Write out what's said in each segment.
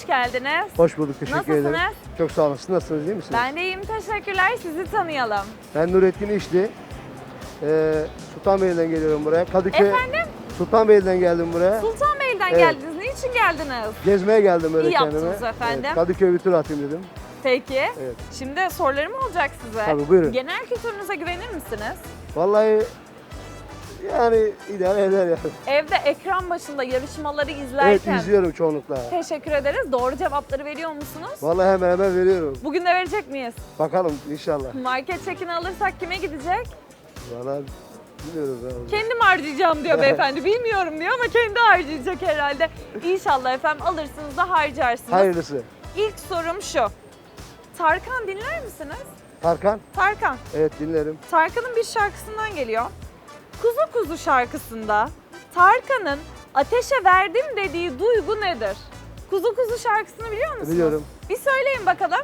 hoş geldiniz. Hoş bulduk, teşekkür ederim. Nasılsınız? Çok sağ olun. Siz nasılsınız, iyi misiniz? Ben de iyiyim, teşekkürler. Sizi tanıyalım. Ben Nurettin İşli. Sultanbeyli'den geliyorum buraya. Kadıköy. Efendim? Sultanbeyli'den geldim buraya. Sultanbeyli'den Evet. geldiniz. Niçin geldiniz? Gezmeye geldim öyle İyi kendime. yaptınız efendim. Evet, Kadıköy bir tur atayım dedim. Peki. Evet. Şimdi sorularım olacak size. Tabii, buyurun. Genel kültürünüze güvenir misiniz? Vallahi yani idare eder yani. Evde ekran başında yarışmaları Evet, izlerken izliyorum çoğunlukla. teşekkür ederiz. Doğru cevapları veriyor musunuz? Vallahi hemen hemen veriyorum. Bugün de verecek miyiz? Bakalım inşallah. Market çekini alırsak kime gidecek? Vallahi bilmiyoruz abi. Kendim harcayacağım diyor beyefendi. Bilmiyorum diyor ama kendi harcayacak herhalde. İnşallah efendim alırsınız da harcarsınız. Hayırlısı. İlk sorum şu. Tarkan dinler misiniz? Tarkan? Tarkan. Evet, dinlerim. Tarkan'ın bir şarkısından geliyor. Kuzu Kuzu şarkısında Tarkan'ın ateşe verdim dediği duygu nedir? Kuzu Kuzu şarkısını biliyor musunuz? Biliyorum. Bir söyleyin bakalım.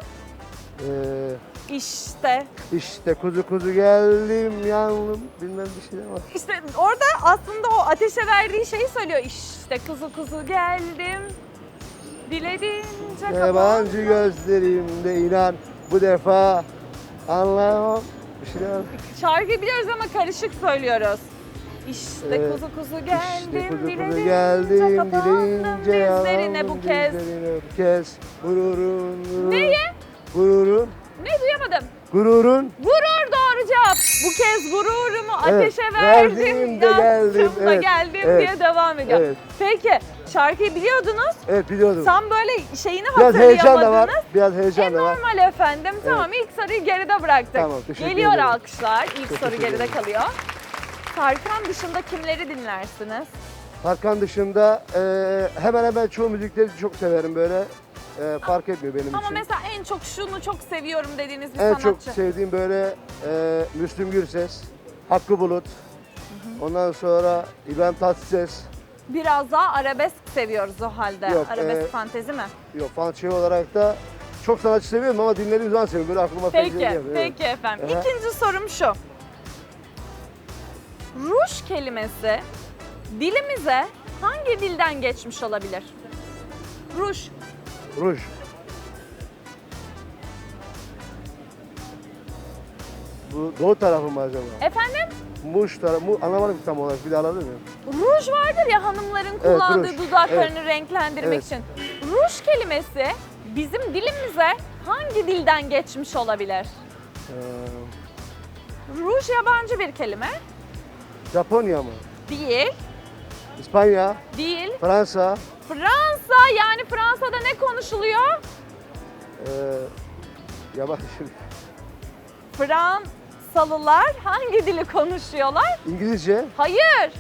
Ee, İşte. kuzu kuzu geldim yandım bilmem bir şeyler var. İşte orada aslında o ateşe verdiği şeyi söylüyor. İşte kuzu kuzu geldim. Dilediğince Yabancı kapandım. gözlerimde inan bu defa anlamam bir şeyler var. Şarkıyı biliyoruz ama karışık söylüyoruz. İşte Evet. kuzu kuzu geldim, İşte kuzu kuzu dilediğince geldim kapandım dileyince dizlerine bu kez. dizlerine bu kez. Gururun. Neye? Gururun. Ne duyamadım? Gururun. Gurur doğru cevap. Bu kez gururumu Evet, ateşe verdim, verdim de geldim, yaktım da evet, geldim evet, diye devam ediyor. evet. Peki şarkıyı biliyordunuz. Evet, biliyordum. Tam böyle şeyini Biraz heyecan da var. hatırlayamadınız. Biraz heyecan da var. Normal efendim. Tamam ilk soruyu geride bıraktık. Tamam, teşekkür Geliyor ederim. alkışlar. İlk soru Teşekkür geride ederim. kalıyor. Tarkan dışında kimleri dinlersiniz? Tarkan dışında hemen hemen çoğu müzikleri çok severim böyle. Fark etmiyor benim Ama için. mesela en çok şunu çok seviyorum dediğiniz bir En sanatçı. çok sevdiğim böyle Müslüm Gürses, Hakkı Bulut, ondan sonra İbrahim Tatlıses. Biraz daha arabesk seviyoruz o halde. Yok, Arabesk fantezi mi? Yok, fan şey olarak da çok sanatçı seviyorum ama dinlediğim zaman seviyorum. Böyle aklıma pek Peki, geliyor. Evet. peki efendim. Aha. İkinci sorum şu. Ruj kelimesi dilimize hangi dilden geçmiş olabilir? Ruj. Ruj. Bu doğu tarafı mı acaba? Efendim? Muş tarafı, anlamadım tam olarak, bir daha alabilir miyim? Ruj vardır ya hanımların kullandığı ruj. dudaklarını renklendirmek Evet. için. Ruj kelimesi bizim dilimize hangi dilden geçmiş olabilir? Ee, Ruj yabancı bir kelime. Japonya mı? Değil. İspanya, Değil. Fransa, Fransa, yani Fransa'da ne konuşuluyor? yabancı, Fransalılar hangi dili konuşuyorlar? İngilizce, Hayır.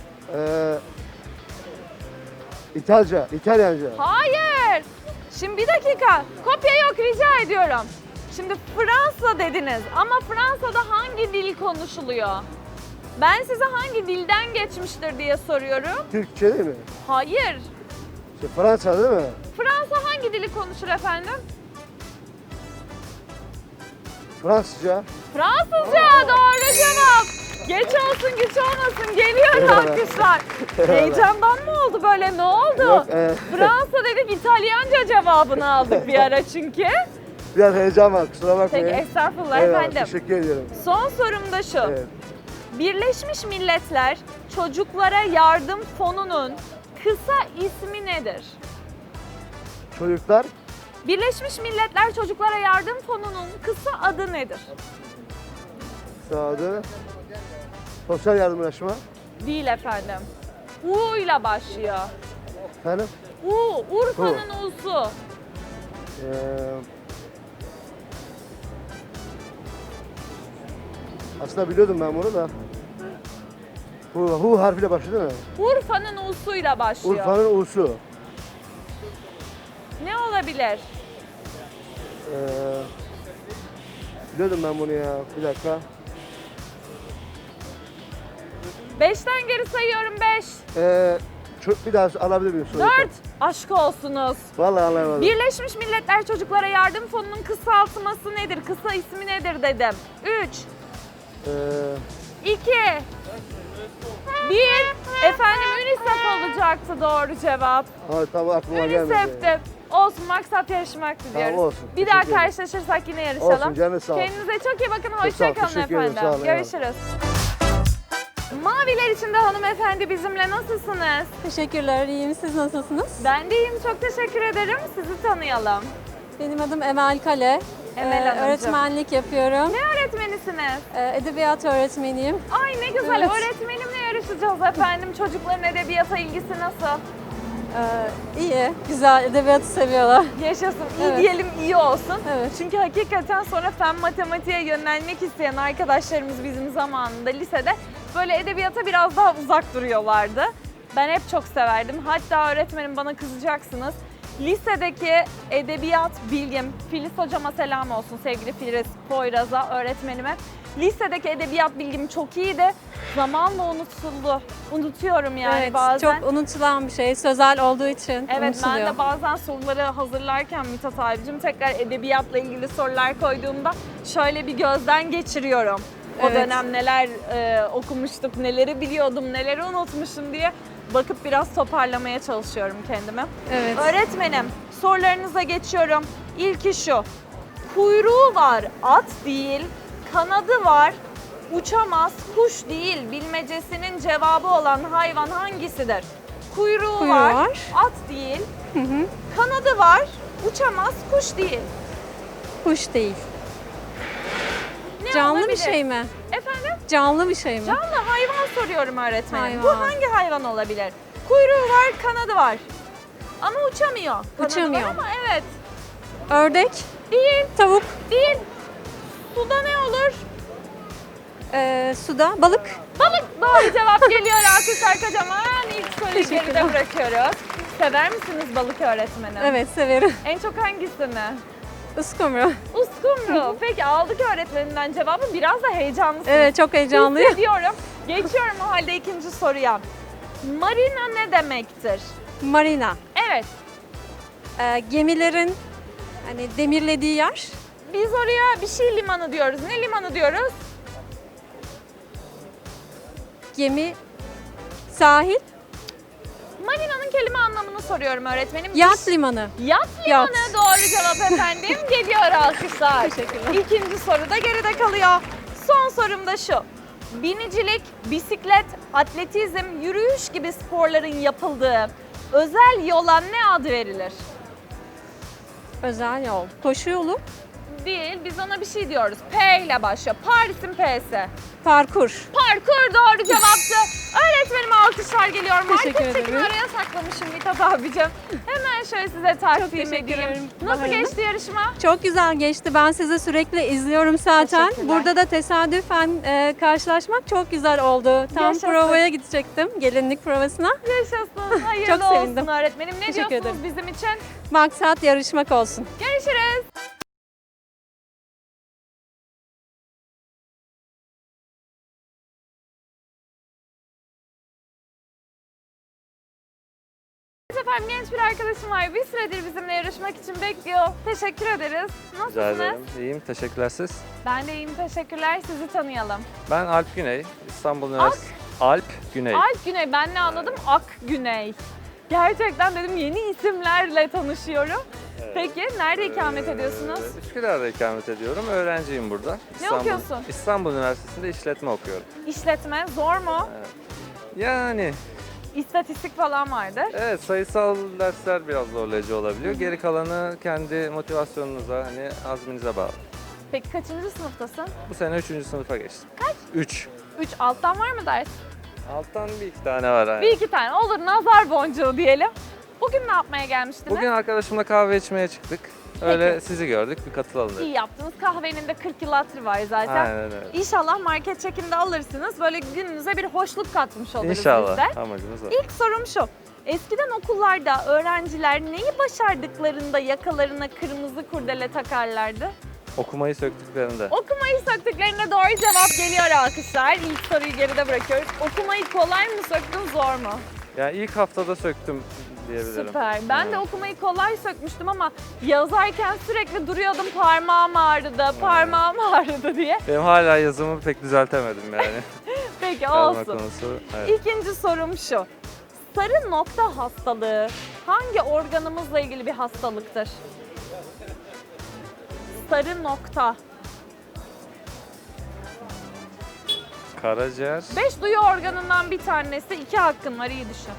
İtalyanca. Hayır. Şimdi bir dakika. Kopya yok rica ediyorum. Şimdi Fransa dediniz ama Fransa'da hangi dil konuşuluyor? Ben size hangi dilden geçmiştir diye soruyorum. Türkçe değil mi? Hayır. Fransa değil mi? Fransa hangi dili konuşur efendim? Fransızca. Fransızca doğru cevap. Geç olsun güç olmasın geliyor Eyvallah. alkışlar. Eyvallah. Heyecandan mı oldu böyle ne oldu? Yok, Fransa dedik İtalyanca cevabını aldık bir ara çünkü. Biraz heyecan var, kusura bakmayın. Peki estağfurullah Eyvallah, efendim. teşekkür ediyorum. Son sorum da şu. Evet. Birleşmiş Milletler Çocuklara Yardım Fonu'nun kısa ismi nedir? Çocuklar, Birleşmiş Milletler Çocuklara Yardım Fonu'nun kısa adı nedir? sağdı. Sosyal yardımlaşma. Değil efendim. U ile başlıyor. Efendim? Urfa'nın U'su. Ee, aslında biliyordum ben bunu da. Hu harfiyle başlıyor değil mi? Urfa'nın U'suyla başlıyor. Urfa'nın U'su. Ne olabilir? Biliyordum ben bunu ya. Bir dakika. 5'ten geri sayıyorum 5. Bir daha alabilir miyim soruyu? 4. Aşk olsunuz. Vallahi anlamadım. Birleşmiş Milletler Çocuklara Yardım Fonu'nun kısaltması nedir? Kısa ismi nedir dedim. 3, Ee, 2, Bir, efendim UNICEF olacaktı doğru cevap. Ha, tabii aklıma gelmedi. UNICEF'ti. Olsun, maksat yarışmaktı diyoruz. Tamam, olsun. Bir daha Teşekkür ederim. karşılaşırsak yine yarışalım. Olsun, canı sağ olsun. Kendinize çok iyi bakın. sağ ol, Hoşçakalın teşekkür ederim, efendim. sağ olun, Görüşürüz. Maviler içinde hanımefendi bizimle, nasılsınız? Teşekkürler, iyiyim. Siz nasılsınız? Ben de iyiyim, çok teşekkür ederim. Sizi tanıyalım. Benim adım Emel Kale. Emel Hanımcığım. Öğretmenlik yapıyorum. Ne öğretmenisiniz? Edebiyat öğretmeniyim. Ay ne güzel, Evet. öğretmenimle yarışacağız efendim. Çocukların edebiyata ilgisi nasıl? İyi, güzel. Edebiyatı seviyorlar. Yaşasın, iyi Evet. diyelim, iyi olsun. Evet. Çünkü hakikaten sonra fen matematiğe yönelmek isteyen arkadaşlarımız bizim zamanında lisede böyle edebiyata biraz daha uzak duruyorlardı. Ben hep çok severdim. Hatta öğretmenim, bana kızacaksınız, lisedeki edebiyat bilgim, Filiz hocama selam olsun, sevgili Filiz Poyraz'a, öğretmenime. Lisedeki edebiyat bilgim çok iyiydi. Zamanla unutuldu. Unutuyorum yani Evet, bazen. çok unutulan bir şey. Sözel olduğu için Evet, unutuluyor. ben de bazen soruları hazırlarken Mithat abicim tekrar edebiyatla ilgili sorular koyduğumda şöyle bir gözden geçiriyorum. O Evet. dönem neler okumuştuk, neleri biliyordum, neleri unutmuşum diye bakıp biraz toparlamaya çalışıyorum kendimi. Evet. Öğretmenim, sorularınıza geçiyorum. İlki şu: kuyruğu var, at değil; kanadı var, uçamaz, kuş değil. Bilmecesinin cevabı olan hayvan hangisidir? Kuyruğu var, var. at değil; kanadı var, uçamaz, kuş değil. Kuş değil. Ne Canlı olabilir? bir şey mi? Efendim? Canlı bir şey mi? Canlı hayvan soruyorum öğretmenim. Bu Hayvan. hangi hayvan olabilir? Kuyruğu var, kanadı var. Ama uçamıyor. Kanadı Uçamıyor. var ama evet. Ördek, Değil, tavuk, değil. Suda ne olur? suda balık. Balık doğru cevap geliyor. Alkışlar kocaman. İlk soruyu geride Teşekkürler. bırakıyoruz. Sever misiniz balık öğretmeni? Evet, severim. En çok hangisini? Uskumru. Uskumru. Peki aldık öğretmeninden cevabı. Biraz da heyecanlısınız. Evet, çok heyecanlıyım. Hissediyorum. Geçiyorum o halde ikinci soruya. Marina ne demektir? Marina. Evet. Gemilerin hani demirlediği yer. Biz oraya bir şey limanı diyoruz. Ne limanı diyoruz? Gemi, sahil, Marina'nın kelime anlamını soruyorum öğretmenim. yat limanı. Yat limanı Yat. doğru cevap efendim. Geliyor alkışlar. Teşekkürler. İkinci soru da geride kalıyor. Son sorum da şu: binicilik, bisiklet, atletizm, yürüyüş gibi sporların yapıldığı özel yola ne adı verilir? Özel yol. Koşu yolu, Değil, biz ona bir şey diyoruz. P ile başlıyor. Paris'in P'si. parkur. Parkur doğru cevaptı. Öğretmenime alkışlar geliyor. Teşekkür Market çekini ederim. araya saklamışım Mithat abicim. Hemen şöyle size takdim teşekkür edeyim. ederim. Nasıl Bahar'ım. geçti yarışma? Çok güzel geçti. Ben sizi sürekli izliyorum zaten. Teşekkürler. Burada da tesadüfen karşılaşmak çok güzel oldu. Tam Yaşasın. provaya gidecektim. Gelinlik provasına. Yaşasın. Hayırlı Çok sevindim. olsun öğretmenim. Ne Teşekkür diyorsunuz ederim. bizim için? Maksat yarışmak olsun. Görüşürüz. Efendim, genç bir arkadaşım var. Bir süredir bizimle yarışmak için bekliyor. Teşekkür ederiz. Rica Nasılsınız? ederim. İyiyim. Teşekkürler siz. Ben de iyiyim. Teşekkürler. Sizi tanıyalım. Ben Alp Güney. İstanbul Üniversitesi. Alp Güney. Alp Güney. Ben ne anladım? Ak Güney. Gerçekten dedim, yeni isimlerle tanışıyorum. Peki nerede ikamet ediyorsunuz? Üsküdar'da ikamet ediyorum. Öğrenciyim burada. okuyorsun? İstanbul Üniversitesi'nde işletme okuyorum. İşletme zor mu? Yani İstatistik falan vardır. evet, sayısal dersler biraz zorlayıcı olabiliyor. Geri kalanı kendi motivasyonunuza, hani azminize bağlı. Peki kaçıncı sınıftasın? Bu sene 3. sınıfa geçtim. Kaç? 3. 3. Alttan var mı ders? Alttan bir iki tane var. Yani. Bir iki tane. Olur, nazar boncuğu diyelim. Bugün ne yapmaya gelmiştiniz? Bugün arkadaşımla kahve içmeye çıktık. Öyle Peki. sizi gördük, bir katılalım dedik. İyi yaptınız. Kahvenin de 40 yıl hatırı var zaten. Aynen öyle. İnşallah market çekinde alırsınız. Böyle gününüze bir hoşluk katmış oluruz biz İnşallah. de. Amacımız o. İlk sorum şu: eskiden okullarda öğrenciler neyi başardıklarında yakalarına kırmızı kurdele takarlardı? Okumayı söktüklerinde. Okumayı söktüklerine doğru cevap geliyor alkışlar. İlk soruyu geride bırakıyoruz. Okumayı kolay mı söktün, zor mu? Yani ilk haftada söktüm diyebilirim. Süper. Ben de Evet. okumayı kolay sökmüştüm ama yazarken sürekli duruyordum, parmağım ağrıdı, parmağım ağrıdı diye. Benim hala yazımı pek düzeltemedim yani. Peki Yazma olsun. konusu. Evet. İkinci sorum şu. Sarı nokta hastalığı hangi organımızla ilgili bir hastalıktır? Sarı nokta. Karaciğer. 5 duyu organından bir tanesi. 2 hakkın var, iyi düşün.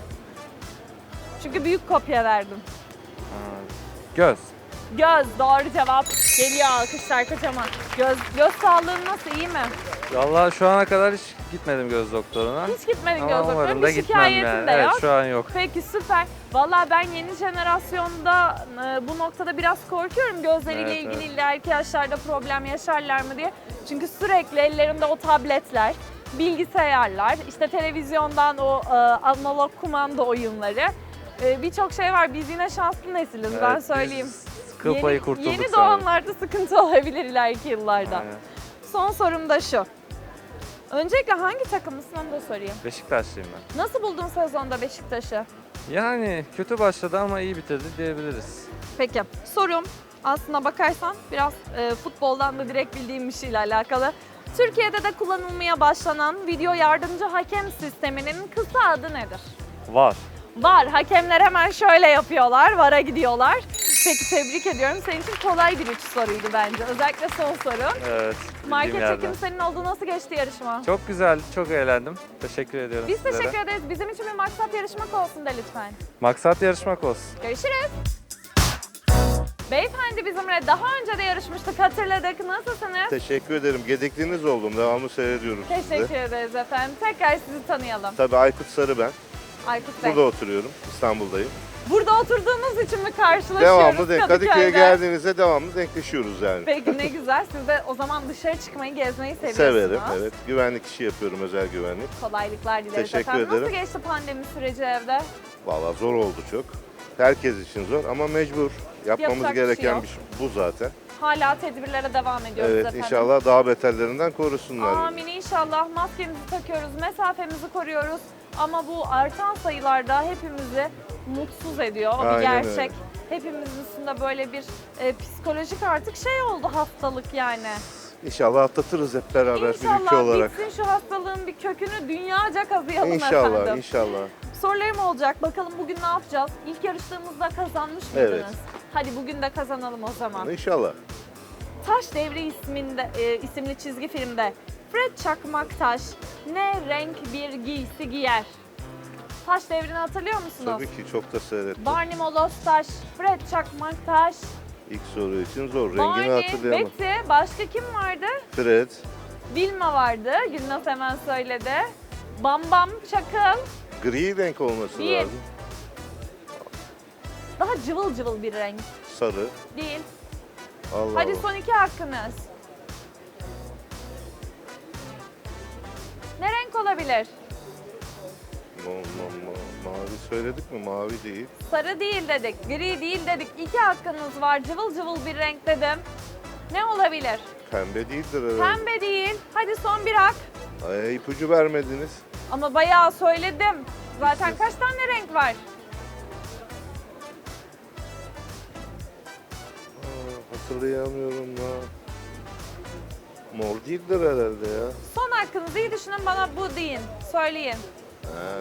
Çünkü büyük kopya verdim. Ha, göz. Göz doğru cevap. Geliyor alkışlar kocaman. Göz sağlığın nasıl, iyi mi? Vallahi şu ana kadar hiç gitmedim göz doktoruna. Hiç gitmedin Ama göz doktoruna. umarım da Bir gitmem şikayetin yani. de Evet, yok. şu an yok. Peki süper. Valla ben yeni jenerasyonda bu noktada biraz korkuyorum. Gözleriyle Evet, ilgili ileriki yaşlarda problem yaşarlar mı diye. Çünkü sürekli ellerinde o tabletler, bilgisayarlar, işte televizyondan o analog kumanda oyunları. Birçok şey var. Biz yine şanslı nesiliz, ben Evet, söyleyeyim. biz kıl payı kurtulduk Yeni sanırım. doğanlarda sıkıntı olabilir ileriki yıllarda. Aynen. Son sorum da şu. Öncelikle hangi takımlısın onu da sorayım. Beşiktaşlıyım ben. Nasıl buldun sezonda Beşiktaş'ı? Yani kötü başladı ama iyi bitirdi diyebiliriz. Peki sorum aslına bakarsan biraz futboldan da direkt bildiğim bir şeyle alakalı. Türkiye'de de kullanılmaya başlanan video yardımcı hakem sisteminin kısa adı nedir? Var. VAR. Hakemler hemen şöyle yapıyorlar, VAR'a gidiyorlar. Peki tebrik ediyorum. Senin için kolay bir 3 soruydu bence. Özellikle son soru. Evet. Market bildiğim çekim yerden. senin oldu. Nasıl geçti yarışma? Çok güzel, çok eğlendim. Teşekkür ediyorum Biz sizlere. teşekkür ederiz. Bizim için bir maksat yarışmak olsun de lütfen. Maksat yarışmak olsun. Görüşürüz. Beyefendi bizimle daha önce de yarışmıştık, hatırladık. Nasılsınız? Teşekkür ederim. Gedekliniz oldum. Devamlı seyrediyorum Teşekkür sizi. ederiz efendim. Tekrar sizi tanıyalım. Tabii Aykut Sarı ben. Aykut Bey. Burada oturuyorum. İstanbul'dayım. Burada oturduğumuz için mi karşılaşıyoruz Devamlı denk. Kadıköy'e Kadıköy'de? geldiğinizde devamlı denkleşiyoruz yani. Peki ne güzel. Siz de o zaman dışarı çıkmayı, gezmeyi seviyorsunuz. Severim. Evet. Güvenlik işi yapıyorum. Özel güvenlik. Kolaylıklar dileriz Teşekkür efendim. Nasıl ederim. geçti pandemi süreci evde? Vallahi zor oldu çok. Herkes için zor ama mecbur. Yapmamız Yapacak bir şey gereken yok. bir şey bu zaten. Hala tedbirlere devam ediyoruz Evet. efendim. İnşallah daha beterlerinden korusunlar. Amin inşallah. Maskemizi takıyoruz, mesafemizi koruyoruz. Ama bu artan sayılarda hepimizi mutsuz ediyor. O bir Aynen gerçek. öyle. Hepimizin üstünde böyle bir psikolojik artık şey oldu, hastalık yani. İnşallah atlatırız hep beraber bir ülke İnşallah olarak. bitsin şu hastalığın bir kökünü, dünyaca kazıyalım İnşallah, efendim. inşallah. Sorularım olacak. Bakalım bugün ne yapacağız? İlk yarıştığımızda kazanmış mıydınız? Evet. Hadi bugün de kazanalım o zaman. İnşallah. Taş Devri isimli çizgi filmde Fred Çakmaktaş ne renk bir giysi giyer? Taş Devri'ni hatırlıyor musunuz? Tabii ki çok da seyrettim. Barney Molostaş, Fred Çakmaktaş, İlk soru için zor. Rengini Barney, hatırlayamam. Betty, başka kim vardı? Fred, Vilma vardı, Gülnaz hemen söyledi. Bam Bam Çakıl, gri renk olması Değil. lazım. daha cıvıl cıvıl bir renk. Sarı. Değil. Allah Hadi Allah. son 2 hakkınız. Ne renk olabilir? Mavi söyledik mi? Mavi değil. Sarı değil dedik, gri değil dedik. 2 hakkınız var. Cıvıl cıvıl bir renk dedim. Ne olabilir? Pembe değildir herhalde. Pembe değil. Hadi son bir hak. Ay, ipucu vermediniz. Ama bayağı söyledim. Zaten kaç tane renk var? Hatırlayamıyorum ya. Mor değildir herhalde ya. Son hakkınızı iyi düşünün, bana bu deyin. Söyleyin. Ha.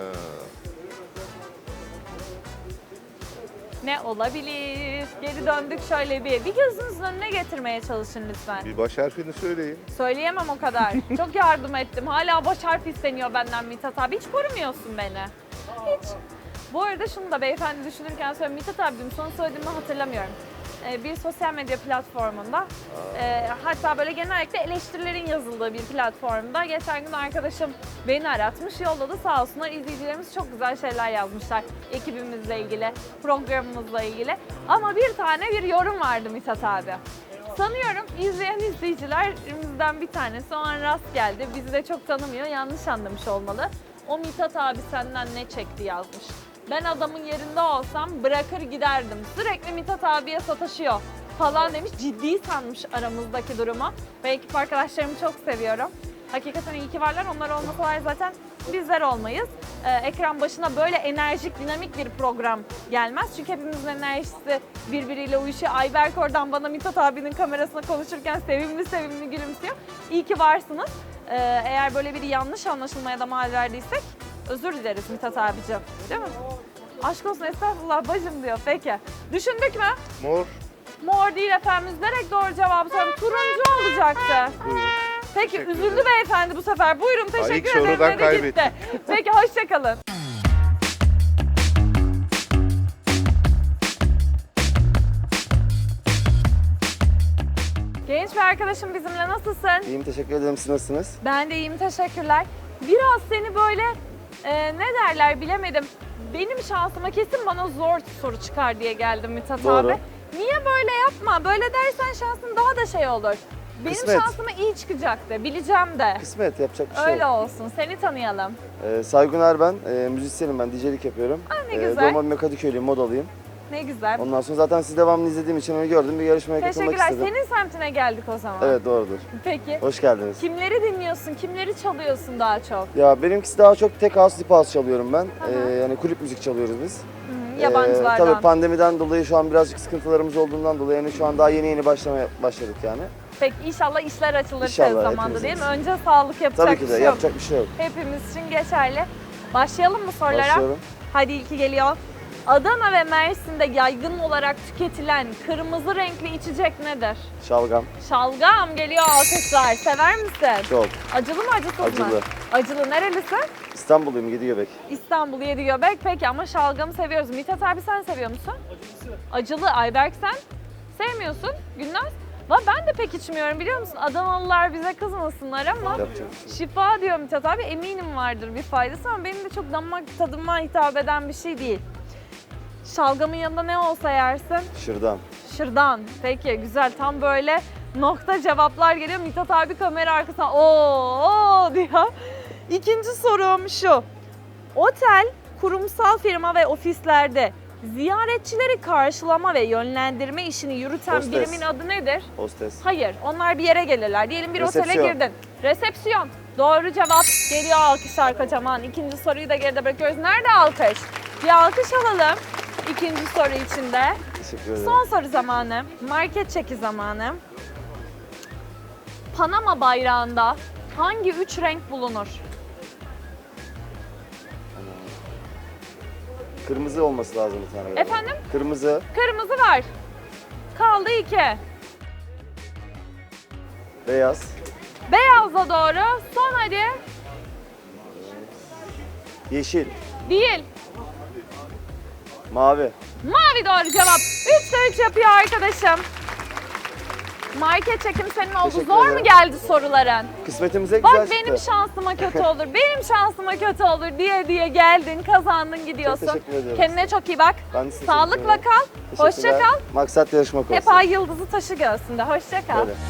Ne olabilir? Geri döndük şöyle bir. Bir gözünüzün önüne getirmeye çalışın lütfen. Bir baş harfini söyleyin. Söyleyemem o kadar. Çok yardım ettim. Hala baş harf isteniyor benden Mithat abi. Hiç korumuyorsun beni. Hiç. Bu arada şunu da beyefendi düşünürken söyleyeyim. Mithat abicim sana söylediğimi hatırlamıyorum. Bir sosyal medya platformunda hatta böyle genellikle eleştirilerin yazıldığı bir platformda geçen gün arkadaşım beni aratmış, yolladı, sağ olsunlar, izleyicilerimiz çok güzel şeyler yazmışlar ekibimizle ilgili, programımızla ilgili, ama bir tane bir yorum vardı Mithat abi. Sanıyorum izleyen izleyicilerimizden bir tanesi o an rast geldi, bizi de çok tanımıyor, yanlış anlamış olmalı. O Mithat abi senden ne çekti yazmış. Ben adamın yerinde olsam bırakır giderdim. Sürekli Mithat abiye sataşıyor falan demiş. Ciddi sanmış aramızdaki durumu. Ve ekip arkadaşlarımı çok seviyorum. Hakikaten iyi ki varlar. Onlar olmasalar zaten bizler olmayız. Ekran başına böyle enerjik, dinamik bir program gelmez. Çünkü hepimizin enerjisi birbiriyle uyuşuyor. Ayberk oradan bana Mithat abinin kamerasına konuşurken sevimli sevimli gülümsüyor. İyi ki varsınız. Eğer böyle bir yanlış anlaşılmaya da mal verdiysek özür dileriz Mithat abicim. Değil mi? Aşk olsun estağfurullah bacım diyor. Peki. Düşündük mü? Mor. Mor değil efendim. Üzülerek doğru cevabı söylüyorum. Turuncu olacaktı. Buyurun. Peki Teşekkür üzüldü ederim. beyefendi bu sefer. Buyurun ilk teşekkür ederim sorudan dedi gitti. kaybettim. Peki hoşçakalın. Genç bir arkadaşım bizimle, nasılsın? İyiyim, teşekkür ederim. Siz nasılsınız? Ben de iyiyim, teşekkürler. Biraz seni böyle ne derler bilemedim. Benim şansıma kesin bana zor soru çıkar diye geldim Mithat Doğru. abi. Niye böyle yapma? Böyle dersen şansın daha da şey olur. Benim Kısmet. şansıma iyi çıkacaktı, bileceğim de. Kısmet, yapacak bir şey Öyle yok. olsun. Seni tanıyalım. Saygun ben, müzisyenim ben, DJ'lik yapıyorum. ne güzel. Doğma büyüme Kadıköylüyüm, modalıyım. Ne güzel. Ondan sonra zaten sizi devamlı izlediğim için onu gördüm, bir yarışmaya katılmak Teşekkürler. istedim. Senin semtine geldik o zaman. Evet, doğrudur. Peki. Hoş geldiniz. Kimleri dinliyorsun? Kimleri çalıyorsun daha çok? Ya benimkisi daha çok tek house, deep house çalıyorum ben. Yani kulüp müzik çalıyoruz biz. Hı, yabancılardan. Tabii pandemiden dolayı şu an birazcık sıkıntılarımız olduğundan dolayı yani şu an daha yeni başlamaya başladık yani. Peki inşallah işler açılır İnşallah, tez zamanda hepimiz değil mi? için. Önce sağlık yapacak Tabii ki bir de şey yok. yapacak bir şey yok. Hepimiz için geçerli. Başlayalım mı sorulara? Başlıyorum. Hadi ilki geliyor. Adana ve Mersin'de yaygın olarak tüketilen kırmızı renkli içecek nedir? Şalgam. Şalgam geliyor, alkışlar. Sever misin? Çok. Acılı mı acısız mı? Acılı. Acılı. Nerelisin? İstanbulluyum, Yediyobek. İstanbul Yedigöbek. Peki ama şalgamı seviyoruz. Mithat abi sen seviyor musun? Acılı. Ayberk sen sevmiyorsun. Gülnaz? Ben de pek içmiyorum biliyor musun? Adanalılar bize kızmasınlar ama Yapacak bir şey. şifa diyor Mithat abi. Eminim vardır bir faydası ama benim de çok damak tadıma hitap eden bir şey değil. Şalgamın yanında ne olsa yersin? Şırdan. Şırdan. Peki güzel. Tam böyle nokta cevaplar geliyor. Mithat abi kamera arkasına ooo diyor. İkinci sorum şu. Otel, kurumsal firma ve ofislerde ziyaretçileri karşılama ve yönlendirme işini yürüten Hostes. birimin adı nedir? Hostes. Hayır, onlar bir yere gelirler. Diyelim bir otele Resepsiyon. girdin. Resepsiyon. Doğru cevap. Geliyor alkışlar kocaman. İkinci soruyu da geride bırakıyoruz. Nerede alkış? Bir alkış alalım. İkinci soru için de. Teşekkür ederim. Son soru zamanı. Market çeki zamanı. Panama bayrağında hangi üç renk bulunur? Kırmızı olması lazım bir tane. galiba. Efendim? Kırmızı, Kırmızı var. Kaldı 2. beyaz, Beyazla doğru. Son hadi. yeşil, Değil. mavi. Mavi doğru cevap. 3'te 3 yapıyor arkadaşım. Market çekim senin oldu. Teşekkür Zor mu ederim. geldi soruların? Kısmetimize güzel Bak benim çıktı. şansıma kötü olur, benim şansıma kötü olur diye geldin, kazandın, gidiyorsun. Çok teşekkür ediyorum. Kendine çok iyi bak. Ben de size Sağlıkla teşekkür ederim. kal. Hoşça Teşekkürler. kal. Maksat yarışmak olsun. Hep ay yıldızı taşı göğsünde. Hoşça kal. Böyle.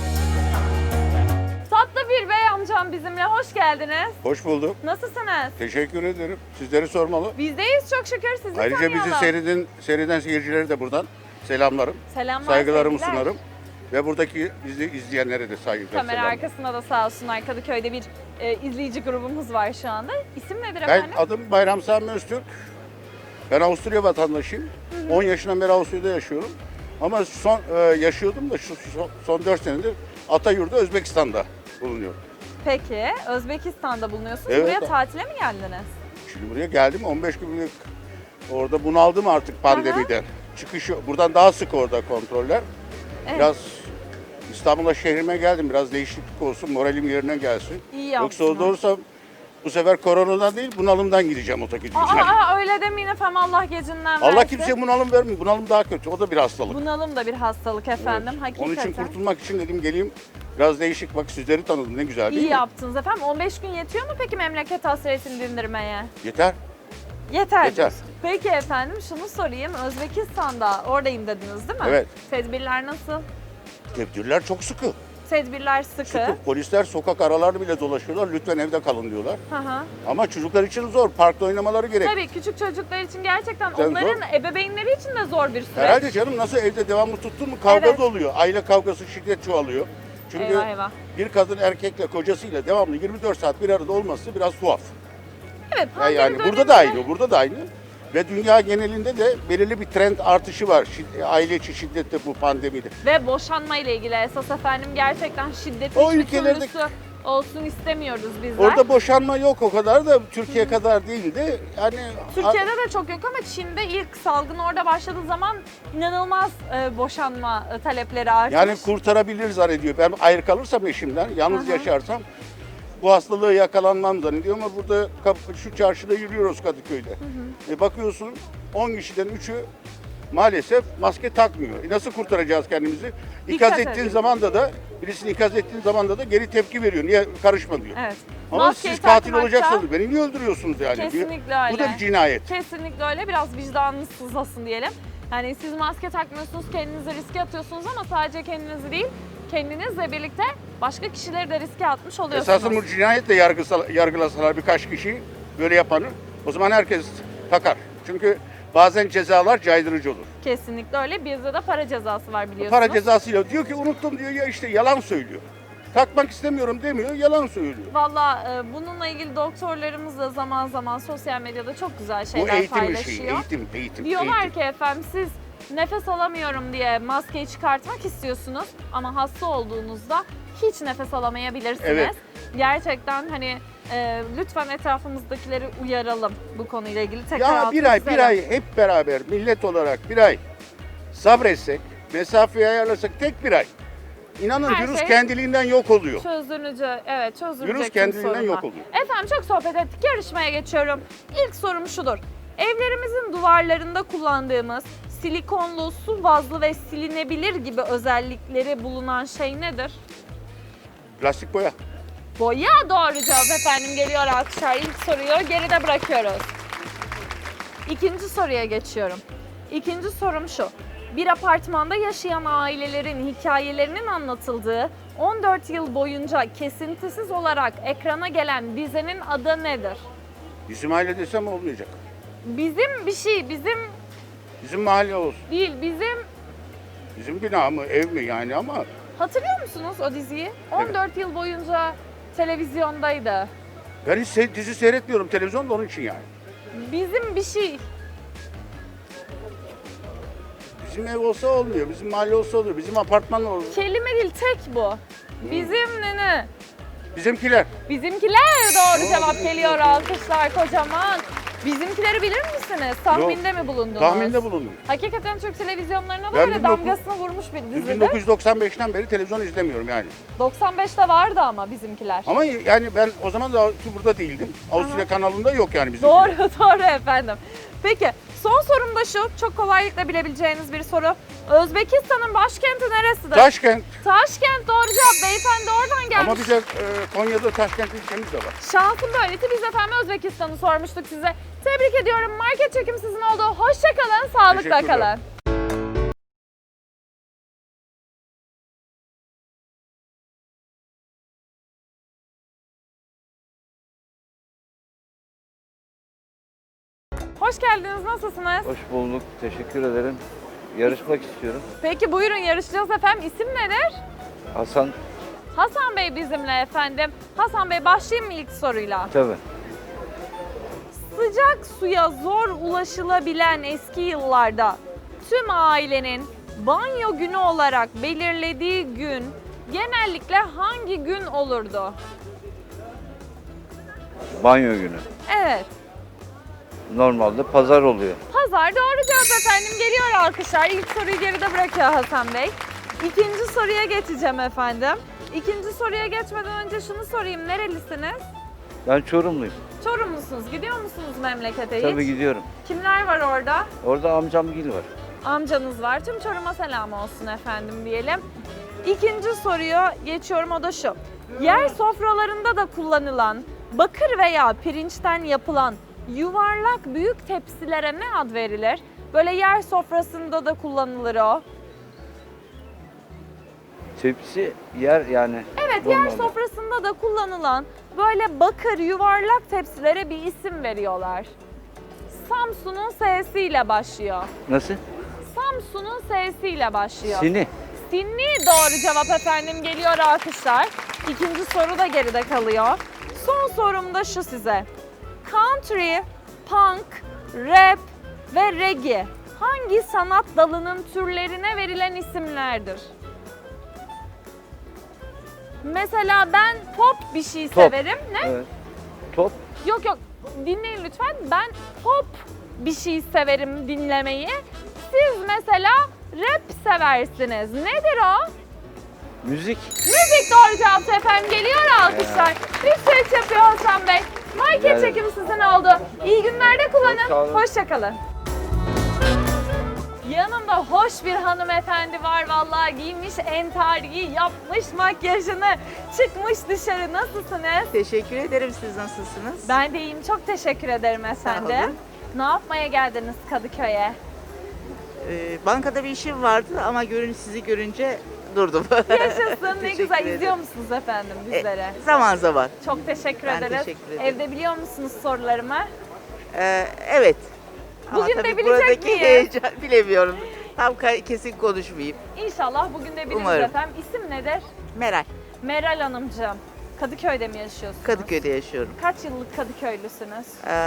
Tatlı bir bey amcam bizimle. Hoş geldiniz. Hoş bulduk. Nasılsınız? Teşekkür ederim. Sizleri sormalı. Bizdeyiz çok şükür. Sizi Ayrıca tanıyalım. bizi seyreden seyircilere de buradan selamlarım, Selamlar, saygılarımı sevgiler. sunarım. Ve buradaki bizi izleyenlere de saygılar, Kamera selamlar. arkasında da sağ olsunlar. Kadıköy'de bir izleyici grubumuz var şu anda. İsim nedir Ben efendim? adım Bayram Sami Öztürk. Ben Avusturya vatandaşıyım. 10 yaşından beri Avusturya'da yaşıyorum. Ama yaşıyordum da son 4 senedir Atayur'da Özbekistan'da bulunuyorum. Peki, Özbekistan'da bulunuyorsunuz. Evet. Buraya tatile mi geldiniz? Şimdi buraya geldim 15 günlük orada bunaldım artık pandemiden. Çıkışı buradan daha sık orada kontroller. Evet. Biraz İstanbul'a şehrime geldim. Biraz değişiklik olsun, moralim yerine gelsin. İyi Yoksa yaptınız. orada olursam bu sefer koronadan değil bunalımdan gideceğim o gideceğim. Öyle demeyin efendim, Allah gecinden versin. Allah kimseye bunalım vermiyor. Bunalım daha kötü. O da bir hastalık. Bunalım da bir hastalık efendim, hakikaten. Onun için kurtulmak için dedim geleyim. Biraz değişik bak sizleri tanıdım ne güzel değil İyi mi? yaptınız efendim. 15 gün yetiyor mu peki memleket hasretini dindirmeye? Yeter. Yeter. Yeter. Peki efendim şunu sorayım. Özbekistan'da oradayım dediniz değil mi? Evet. Tedbirler nasıl? Tedbirler çok sıkı. Tedbirler sıkı. Sıkı. Polisler sokak aralarını bile dolaşıyorlar. Lütfen evde kalın diyorlar. Hı hı. Ama çocuklar için zor. Parkta oynamaları gerek. Tabii küçük çocuklar için gerçekten Tabii onların ebeveynleri için de zor bir süreç. Herhalde canım nasıl evde devamlı tuttun mu kavga Evet. da oluyor. Aile kavgası, şiddet çoğalıyor. Çünkü Eyvah eyvah. bir kadın erkekle kocasıyla devamlı 24 saat bir arada olması biraz tuhaf. Evet, Yani, pandemi burada da döneminde- aynı, burada da aynı. Ve dünya genelinde de belirli bir trend artışı var. Aile içi şiddette bu pandemide. Ve boşanma ile ilgili esas efendim gerçekten şiddetin O hiçbir ülkelerde türlüsü olsun istemiyoruz bizler. Orada boşanma yok o kadar da Türkiye kadar değildi. Yani Türkiye'de de çok yok ama Çin'de ilk salgın orada başladığı zaman inanılmaz boşanma talepleri artmış. yani kurtarabilir zannediyor. Ben ayrı kalırsam eşimden, yalnız yaşarsam bu hastalığı yakalanmam zannediyor ama burada şu çarşıda yürüyoruz Kadıköy'de. Bakıyorsun 10 kişiden 3'ü maalesef maske takmıyor. Nasıl kurtaracağız kendimizi? İkaz Dikkat ettiğin edin. zamanda da birisini ikaz ettiğin zamanda da geri tepki veriyor. Niye karışma diyor. Evet. Ama Maskeyi siz katil takmakta- olacaksınız. Beni niye öldürüyorsunuz yani? Kesinlikle Bu da öyle. bir cinayet. Kesinlikle öyle. Biraz vicdanınız sızlasın diyelim. Yani siz maske takmıyorsunuz, kendinizi riske atıyorsunuz ama sadece kendinizi değil, kendinizle birlikte başka kişileri de riske atmış oluyorsunuz. Esasında bu cinayetle yargılasalar birkaç kişi böyle yapanı, o zaman herkes takar. Çünkü bazen cezalar caydırıcı olur. Kesinlikle öyle. Bizde de para cezası var biliyorsunuz. Para cezasıyla diyor ki unuttum diyor, ya işte yalan söylüyor. Takmak istemiyorum demiyor, yalan söylüyor. Valla bununla ilgili doktorlarımız da zaman zaman sosyal medyada çok güzel Bu şeyler eğitim paylaşıyor. işi, eğitim. Diyorlar eğitim. ki efendim siz nefes alamıyorum diye maskeyi çıkartmak istiyorsunuz ama hasta olduğunuzda hiç nefes alamayabilirsiniz. Evet. Gerçekten hani lütfen etrafımızdakileri uyaralım bu konuyla ilgili. Tekrar Ya altını bir çizelim. ay hep beraber millet olarak bir ay sabretsek, mesafeyi ayarlasak tek bir ay. İnanın Her virüs şey- kendiliğinden yok oluyor. Çözülecek Virüs tüm kendiliğinden sorunlar. yok oluyor. Efendim çok sohbet ettik. Yarışmaya geçiyorum. İlk sorum şudur. Evlerimizin duvarlarında kullandığımız silikonlu, su bazlı ve silinebilir gibi özellikleri bulunan şey nedir? Plastik boya. Boya doğru cevap efendim. Geliyor alkışlar. İlk soruyu geride bırakıyoruz. İkinci soruya geçiyorum. İkinci sorum şu. Bir apartmanda yaşayan ailelerin hikayelerinin anlatıldığı 14 yıl boyunca kesintisiz olarak ekrana gelen dizinin adı nedir? Bizim aile desem olmayacak. Bizim bir şey, bizim Bizim mahalle olsun. değil, Bizim bina mı, ev mi yani ama hatırlıyor musunuz o diziyi? 14 yıl boyunca televizyondaydı. ben hiç dizi seyretmiyorum televizyonda onun için yani. Bizim bir şey. Bizim ev olsa olmuyor, bizim mahalle olsa oluyor, bizim apartman oluyor. Kelime değil, tek bu. Bizim ne? Bizimkiler. Bizimkiler doğru cevap bizimkiler. geliyor. Alkışlar kocaman. Bizimkileri bilir misiniz? Tahminde mi bulundunuz? Tahminde bulundum. Hakikaten Türk televizyonlarına da Ben böyle 19- damgasını vurmuş bir Biz dizidir. 1995'ten beri televizyon izlemiyorum yani. 95'te vardı ama bizimkiler. Ama yani ben o zaman da burada değildim. Avusturya kanalında yok yani bizim. Doğru, doğru efendim. Peki, son sorum da şu. Çok kolaylıkla bilebileceğiniz bir soru. Özbekistan'ın başkenti neresidir? Taşkent. Taşkent doğru cevap. Beyefendi oradan gelmiş. Ama bize Konya'da Taşkent ilçemiz de var. Şansım böyleydi. Biz efendim Özbekistan'ı sormuştuk size. Tebrik ediyorum. Market çekim sizin oldu. Hoşça kalın, sağlıkla Teşekkürler. kalın. Hoş geldiniz. Nasılsınız? Hoş bulduk. Teşekkür ederim. Yarışmak istiyorum. Peki buyurun yarışacağız efendim. İsim nedir? Hasan Hasan Bey bizimle efendim. Hasan Bey başlayayım mı ilk soruyla? tabii. Sıcak suya zor ulaşılabilen eski yıllarda tüm ailenin banyo günü olarak belirlediği gün genellikle hangi gün olurdu? Banyo günü. Evet. Normalde pazar oluyor. Pazar doğru cevap efendim. Geliyor alkışlar. İlk soruyu geride bırakıyor Hasan Bey. İkinci soruya geçeceğim efendim. İkinci soruya geçmeden önce şunu sorayım. Nerelisiniz? Ben Çorumluyum. Çorumlusunuz. Gidiyor musunuz memlekete hiç? Tabii gidiyorum. Kimler var orada? Orada amcamgil var. Amcanız var. Tüm Çorum'a selam olsun efendim diyelim. İkinci soruya geçiyorum, o da şu. Yer sofralarında da kullanılan bakır veya pirinçten yapılan yuvarlak büyük tepsilere ne ad verilir? Böyle yer sofrasında da kullanılır o. Tepsi yer yani. Evet, yer normalde. sofrasında da kullanılan böyle bakır yuvarlak tepsilere bir isim veriyorlar. Samsun'un S'siyle başlıyor. Nasıl? Samsun'un S'siyle başlıyor. Sini. Sinni doğru cevap efendim. Geliyor alkışlar. İkinci soru da geride kalıyor. Son sorum da şu size. Country, punk, rap ve reggae hangi sanat dalının türlerine verilen isimlerdir? Mesela ben pop bir şey Top. severim. Ne? Evet. Top. Yok yok, dinleyin lütfen. Ben pop bir şey severim dinlemeyi. Siz mesela rap seversiniz. Nedir o? Müzik. Müzik doğru cevap efendim. Geliyor alkışlar. Bir süreç yapıyor Hasan Bey. Market Evet. çekimi sizin oldu. İyi günlerde Sağ kullanın. olun. Hoşçakalın. Yanımda hoş bir hanımefendi var vallahi, giymiş entariyi, yapmış makyajını, çıkmış dışarı. Nasılsınız? Teşekkür ederim. Siz nasılsınız? Ben de iyiyim. Çok teşekkür ederim efendim. olun. Ne yapmaya geldiniz Kadıköy'e? Bankada bir işim vardı ama sizi görünce durdum. Yaşasın. Ne Teşekkür güzel. ederim. İzliyor musunuz efendim bizlere? Zaman zaman. Çok teşekkür Ben ederiz. teşekkür ederim. Evde biliyor musunuz sorularımı? Evet. Ama Bugün de tabii bilecek buradaki miyiz? heyecan bilemiyorum. Tam kesin konuşmayayım. İnşallah bugün de biliriz Umarım. efendim. İsim nedir? Meral. Meral Hanımcığım. Kadıköy'de mi yaşıyorsunuz? Kadıköy'de yaşıyorum. Kaç yıllık Kadıköylüsünüz?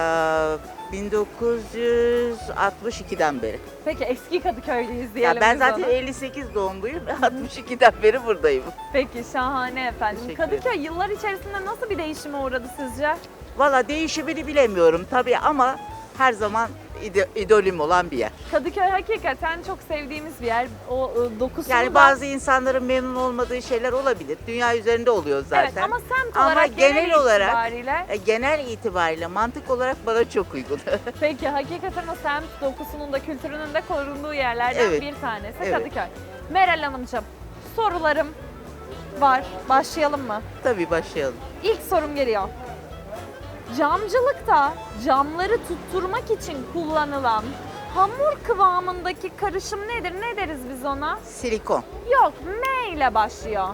1962'den beri. Peki eski Kadıköylüyüz Ya diyelim ben biz zaten ona. 58 doğumluyum. 62'den beri buradayım. Peki şahane efendim. Teşekkür Kadıköy yıllar içerisinde nasıl bir değişime uğradı sizce? Valla değişimini bilemiyorum tabii ama her zaman idolüm olan bir yer. Kadıköy hakikaten çok sevdiğimiz bir yer. O dokusunu Yani da- bazı insanların memnun olmadığı şeyler olabilir. Dünya üzerinde oluyor zaten. Evet ama semt Ama olarak genel olarak- itibariyle Genel itibariyle mantık olarak bana çok uygun. peki hakikaten o semt dokusunun da kültürünün de korunduğu yerlerden Evet. bir tanesi Evet. Kadıköy. Meral Hanımcığım, sorularım var. Başlayalım mı? Tabii başlayalım. İlk sorum geliyor. Camcılıkta camları tutturmak için kullanılan hamur kıvamındaki karışım nedir? Ne deriz biz ona? Silikon. Yok, M ile başlıyor.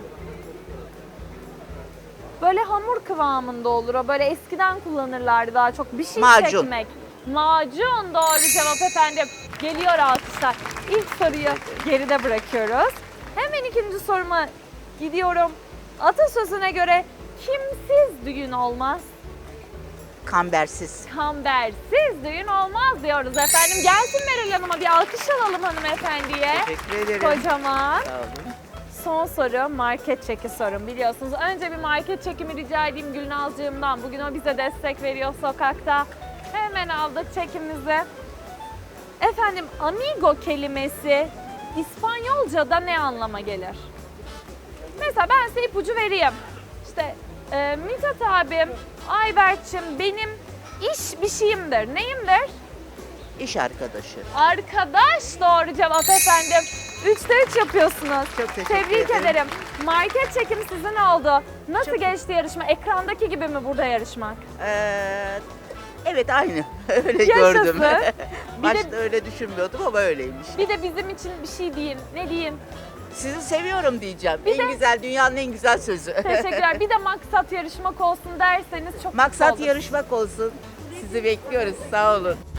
Böyle hamur kıvamında olur o. Böyle eskiden kullanırlardı daha çok. Bir şey Macun. çekmek. Macun doğru cevap efendim. Geliyor alkışlar. İlk soruyu geride bırakıyoruz. Hemen ikinci soruma gidiyorum. Atasözüne göre kimsiz düğün olmaz, Kambersiz. kambersiz düğün olmaz diyoruz efendim. Gelsin Meral Hanım'a bir alkış alalım hanımefendiye. Teşekkür ederim. Kocaman. Sağ olun. Son soru market çeki sorum biliyorsunuz. Önce bir market çekimi rica edeyim Gülnazcığımdan. Bugün o bize destek veriyor sokakta. Hemen aldık çekimizi. Efendim amigo kelimesi İspanyolca'da ne anlama gelir? Mesela ben size ipucu vereyim. İşte Mithat abim, Ayberk'cim benim iş bir şeyimdir. Neyimdir? İş arkadaşı. Arkadaş doğru cevap efendim. 3'te 3 yapıyorsunuz. Çok teşekkür Tebrik ederim. ederim. Market çekim sizin oldu. Nasıl Çok- geçti yarışma? Ekrandaki gibi mi burada yarışmak? Evet aynı. Öyle Yaşasın. gördüm. Bir de- Başta öyle düşünmüyordum ama öyleymiş. Bir de bizim için bir şey diyeyim. Ne diyeyim? Sizi seviyorum diyeceğim. Bir en de- güzel, dünyanın en güzel sözü. Teşekkürler. Bir de maksat yarışmak olsun derseniz çok mutlu Maksat olurum. yarışmak olsun. Sizi bekliyoruz. Sağ olun.